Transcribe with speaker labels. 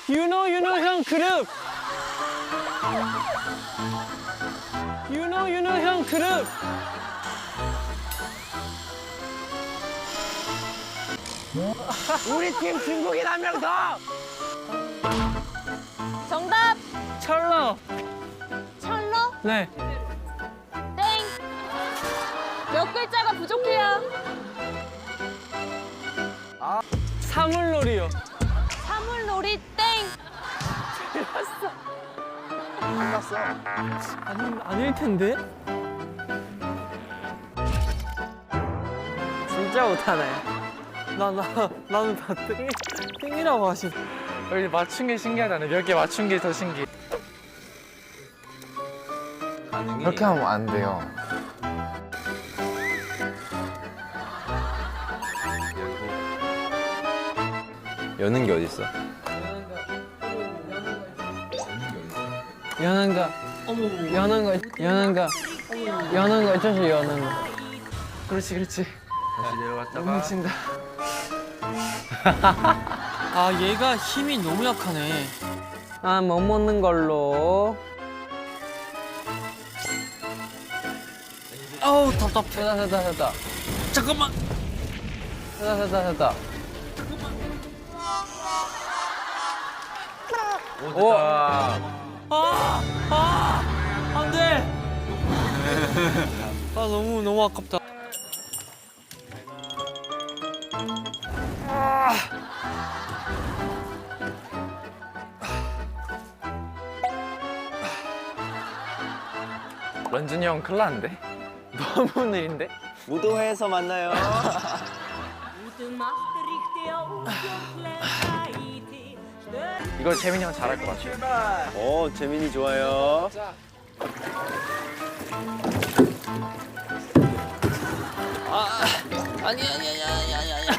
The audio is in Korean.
Speaker 1: 윤호 형 그룹. 윤호 형 그룹.
Speaker 2: 우리 팀 중국인 한 명 더.
Speaker 3: 정답
Speaker 1: 철러.
Speaker 3: 철러
Speaker 1: 네.
Speaker 3: 땡. 몇 글자가 부족해요.
Speaker 1: 사물놀이요.
Speaker 3: 사물놀이 땡.
Speaker 2: 끝났어.
Speaker 1: 아닐 텐데. 진짜 못하네. 나는 다 땡이라고 하시.
Speaker 4: 여기 맞춘 게 신기하다네. 몇 개 맞춘 게 더 신기해.
Speaker 5: 그렇게 하면 안 돼요.
Speaker 6: 여는 게 어딨어?
Speaker 1: 여는 거 어쩌지 여는 거.
Speaker 4: 그렇지, 그렇지. 다시 내려갔다가.
Speaker 1: 뭉친다. 아 얘가 힘이 너무 약하네. 아 못 먹는 걸로. 아우 답답해. 됐다. 잠깐만. 됐다.
Speaker 4: 오,
Speaker 1: 안 돼. 아 너무 아깝다.
Speaker 4: 런쥔이 형 큰일 났는데? 너무 느린데?
Speaker 2: 무도회에서 만나요.
Speaker 4: 이걸 재민이 형 잘할 것 같아.
Speaker 2: 오, 재민이 좋아요.
Speaker 1: 아니.